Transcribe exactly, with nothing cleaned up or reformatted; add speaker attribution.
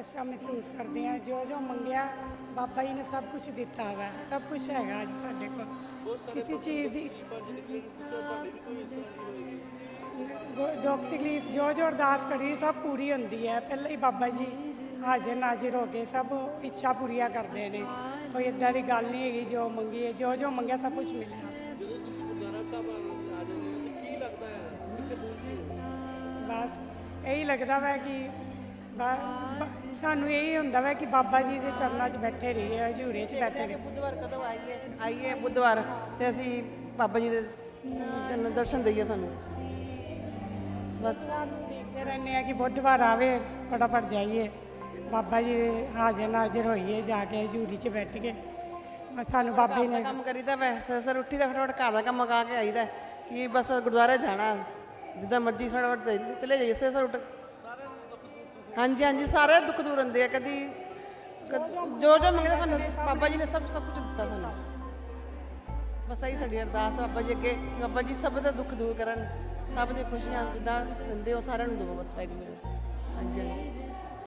Speaker 1: ਅੱਛਾ ਮਹਿਸੂਸ ਕਰਦੇ ਹਾਂ। ਜੋ ਜੋ ਮੰਗਿਆ ਬਾਬਾ ਜੀ ਨੇ ਸਭ ਕੁਝ ਦਿੱਤਾ ਵਾ, ਸਭ ਕੁਝ ਹੈਗਾ ਅੱਜ ਸਾਡੇ ਕੋਲ। ਕਿਸੇ ਚੀਜ਼ ਦੀ ਗੋ- ਦੁੱਖ ਤਕਲੀਫ ਜੋ ਜੋ ਅਰਦਾਸ ਕਰੀ ਸਭ ਪੂਰੀ ਹੁੰਦੀ ਹੈ। ਪਹਿਲਾਂ ਹੀ ਬਾਬਾ ਜੀ ਹਾਜ਼ਰ ਨਾਜ਼ਰ ਹੋ ਕੇ ਸਭ ਇੱਛਾ ਪੂਰੀਆਂ ਕਰਦੇ ਨੇ। ਕੋਈ ਇਦਾਂ ਦੀ ਗੱਲ ਨਹੀਂ ਹੈਗੀ, ਜੋ ਮੰਗੀ ਹੈ ਜੋ ਜੋ ਮੰਗਿਆ ਸਭ ਕੁਝ ਮਿਲਿਆ।
Speaker 2: ਜਦੋਂ ਤੁਸੀਂ ਗੁਰਦੁਆਰਾ ਸਾਹਿਬ ਆ ਆ ਜਾਂਦੇ ਹੋ ਤੇ ਕੀ ਲੱਗਦਾ ਹੈ, ਕਿੱਥੇ ਪਹੁੰਚਦੇ ਹੋ?
Speaker 1: ਬਸ ਇਹੀ ਲੱਗਦਾ ਵਾ ਕਿ ਬ- ਬ- ਸਾਨੂੰ ਇਹੀ ਹੁੰਦਾ ਵਾ ਕਿ ਬਾਬਾ ਜੀ ਦੇ ਚਰਨਾਂ 'ਚ ਬੈਠੇ ਰਹੀਏ, ਹਜ਼ੂਰੇ 'ਚ ਬੈਠੇ ਰਹੀਏ।
Speaker 3: ਬੁੱਧਵਾਰ ਕਦੋਂ ਆਈਏ ਆਈਏ ਬੁੱਧਵਾਰ ਤੇ ਅਸੀਂ ਬਾਬਾ ਜੀ ਦੇ ਜਨ ਦਰਸ਼ਨ ਦਈਏ ਸਾਨੂੰ ਬਸ।
Speaker 1: ਸਾਨੂੰ ਦੇਖਦੇ ਰਹਿੰਦੇ ਆ ਕਿ ਬੁੱਧਵਾਰ ਆਵੇ, ਫਟਾਫਟ ਜਾਈਏ ਬਾਬਾ ਜੀ ਦੇ ਹਾਜ਼ਰ ਨਾਜ਼ਰ ਹੋਈਏ, ਜਾ ਕੇ ਹਜ਼ੂਰੀ 'ਚ ਬੈਠ ਕੇ। ਬਸ ਸਾਨੂੰ ਬਾਬਾ ਜੀ
Speaker 3: ਘਰ ਦਾ
Speaker 1: ਨੇ
Speaker 3: ਕੰਮ ਕਰੀਦਾ ਵੈ, ਫਿਰ ਸਰ ਉੱਠੀ ਦਾ ਫਟਾਫਟ ਘਰ ਦਾ ਕੰਮ ਮੁਕਾ ਕੇ ਆਈਦਾ ਕਿ ਬਸ ਗੁਰਦੁਆਰੇ ਜਾਣਾ, ਜਿੱਦਾਂ ਮਰਜ਼ੀ ਫਟਾਫਟ ਚਲੇ- ਚਲੇ ਜਾਈਏ ਸਰ ਸਰ ਉੱਠ। ਹਾਂਜੀ ਹਾਂਜੀ ਸਾਰੇ ਦੁੱਖ ਦੂਰ ਹੁੰਦੇ ਆ। ਕਦੀ ਜੋ ਜੋ ਮੰਗਦੇ ਸਾਨੂੰ ਬਾਬਾ ਜੀ ਨੇ ਸਭ ਸਭ ਕੁਝ ਦਿੱਤਾ ਸਾਨੂੰ। ਬਸ ਇਹੀ ਸਾਡੀ ਅਰਦਾਸ ਆ ਬਾਬਾ ਜੀ ਅੱਗੇ, ਬਾਬਾ ਜੀ ਸਭ ਦਾ ਦੁੱਖ ਦੂਰ ਕਰਨ, ਸਭ ਦੀਆਂ ਖੁਸ਼ੀਆਂ ਜਿੱਦਾਂ ਦਿੰਦੇ ਉਹ ਸਾਰਿਆਂ ਨੂੰ ਦਿਓ ਬਸ ਵਾਹਿਗੁਰੂ। ਹਾਂਜੀ ਹਾਂਜੀ।